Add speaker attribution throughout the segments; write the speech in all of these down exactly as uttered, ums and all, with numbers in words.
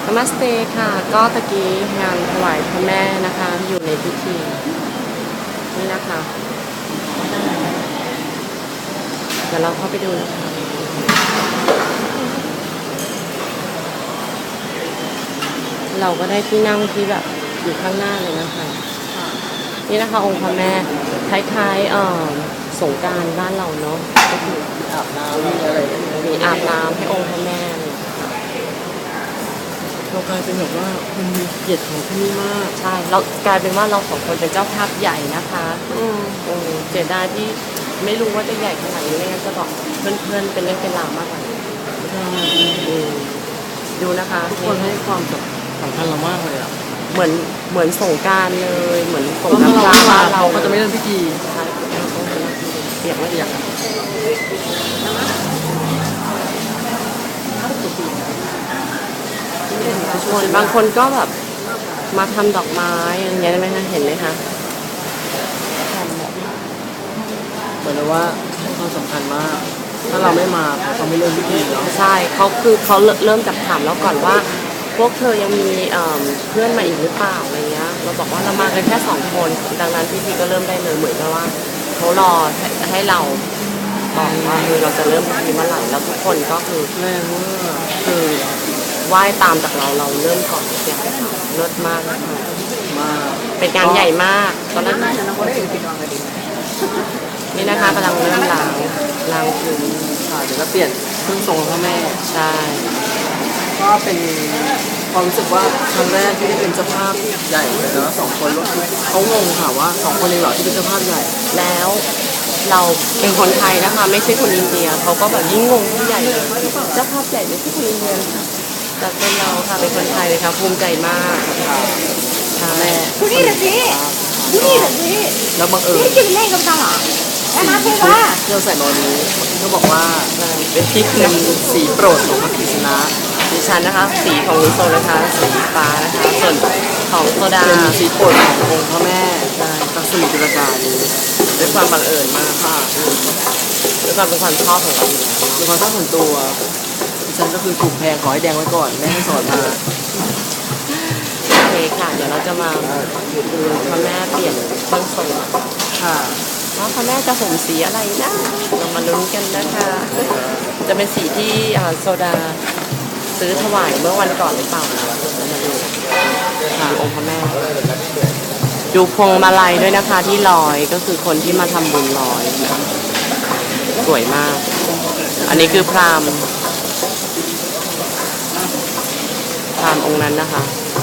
Speaker 1: นมัสเตค่ะก็ตะกี้งานถวายพระแม่นะคะอยู่ในพิธีนี่นะคะเดี๋ยวเราเข้าไปดูนะคะเราก็ได้ที่นั่งที่แบบอยู่ข้างหน้าเลยนะคะนี่นะคะองค์พระแม่คล้ายๆเอ่อสงกรานต์บ้านเราเนาะก็คืออาบน้ำมีอะไรมีอาบน้ำให้องค์พระแม่เลยเรากลายเป็นแบบว่าคนมีเกียรติของที่นี่มากใช่เรากลายเป็นว่าเราสองคนเป็นเจ้าภาพใหญ่นะคะอืมอืมเสียดายที่ไม่รู้ว่าจะใหญ่ขนาดนี้ไม่งั้นจะบอกเพื่อนๆเป็นเรื่องเป็นราวมากกว่านี้ใช่ดูนะคะทุกคนให้ความสำคัญเรามากเลยอ่ะเหมือนเหมือนสงกรานต์เลยเหมือนสงกรานต์บ้านเราก็จะไม่เริ่มพิธีใช่เปียกไม่เปียกคนบางคนก็แบบมาทำดอกไม้อย่างเงี้ยได้ไหมคะเห็นไหมคะเหมือนว่าให้ความสำคัญมากถ้าเราไม่มาเขาไม่เริ่มพิธีเนาะใช่เขาคือเขาเริ่มจากถามแล้วก่อนว่าพวกเธอยังมีเพื่อนมาอีกหรือเปล่าอะไรเงี้ยเราบอกว่าเรามากันแค่สองคนดังนั้นพิธีก็เริ่มได้เลยเหมือนกับว่าเขารอให้เราบอกว่าเราจะเริ่มพิธีเมื่อไหร่แล้วทุกคนก็คือแรงว่าคือไหว้ตามจากเราเราเริ่มก่อนเสียงเลิศมากนะคะมากเป็นการใหญ่มากตอนนั้นนี่นะคะกำลังเริ่มล้างล้างพื้นค่ะเดี๋ยวก็เปลี่ยนเครื่องทรงพ่อแม่ใช่ก็เป็นความรู้สึกว่าครั้งแรกที่ได้เป็นเจ้าภาพใหญ่เลยนะสองคนเขางงค่ะว่าสองคนเองเหรอที่เป็นเจ้าภาพใหญ่แล้วเราเป็นคนไทยนะคะไม่ใช่คนอินเดียเขาก็แบบยิ่งงงที่ใหญ่เลยเจ้าภาพใหญ่ไม่ใช่คนอินเดียแต่เป็นเราค่ะเป็นคนไทยเลยค่ะภูมิใจมากค่ะแม่ดูนี่สิดูนี่สิแล้วบังเอิญนี่คือเล่นกับตาหรอแล้วมาเพื่อว่าเราใส่โนนี้เขาบอกว่าเป็นพริกเป็นสีโปรดของพระกฤษณะดิฉันนะคะสีของลุโซนะคะสีฟ้านะคะส่วนของโซดาเป็นสีโปรดขององค์พระแม่ใช่ตักสิริจุลกาดีด้วยความบังเอิญมากค่ะด้วยความเป็นความชอบของเราอยู่แล้วเป็นความชอบส่วนตัวดิฉันก็คือถูกแพงขอให้แดงไว้ก่อนแม่ให้สอนมาโอเคค่ะเดี๋ยวเราจะมาดูพระแม่เปลี่ยนต้นทรงค่ะว่าพระแม่จะห่มสีอะไรนะเรามาลุ้นกันนะคะจะเป็นสีที่โซดาซื้อถวายเมื่อวันก่อนหรือเปล่าเรามาดูค่ะองค์พระแม่ดูพวงมาลัยด้วยนะคะที่ลอยก็คือคนที่มาทำบุญลอยนะสวยมากอันนี้คือพราหมณ์พราหมณ์องค์นั้นนะคะ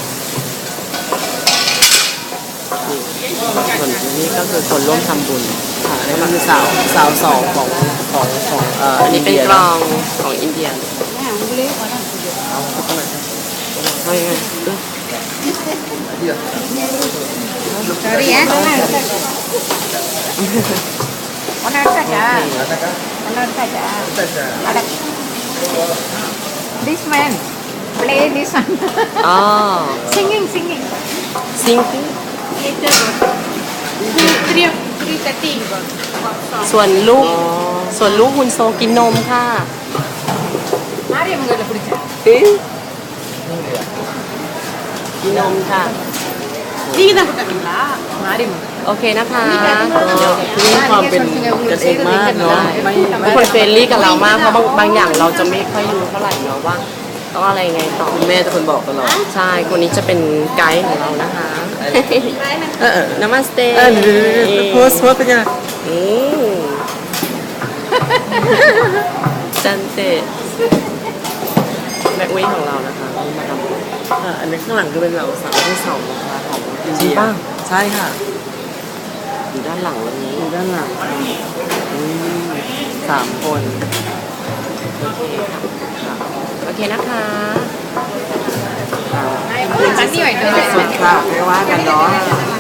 Speaker 1: ส่วนนี้ก็คือคนร่วมทำบุญค่ะนี่มันคือสาวสาวสองของของของเอ่ออันนี้เป็นกลองของอินเดียเอายังไงSorry ya. Onar saja. Onar saja. Ada. This man play this one. Oh. Singing, singing. Singing. Three, three thirty. ส่วนลูกส่วนลูกฮุนโซกินนมค่ะกินนมค่ะโอเคนะคะนี่ความเป็นกันเองมากเนาะไม่คนเฟรนลี่กับเรามากเพราะบางบางอย่างเราจะไม่ค่อยรู้เท่าไหร่เนาะว่าต้องอะไรไงต่อคุณแม่จะคนบอกตลอดใช่คนนี้จะเป็นไกด์ของเรานะคะเออนามาสเตย์โพสโพสเป็นยังไงจันเตแม็กวีของเรานะคะมาทำอันนี้ข้างหลังคือเป็นเราสาวที่สองนะคะของอินเดียใช่ค่ะอยู่ด้านหลังวันนี้อยู่ด้านหลังสามคนโอเคค่ะโอเคนะคะสุดค่ะไม่ว่ากันเนาะ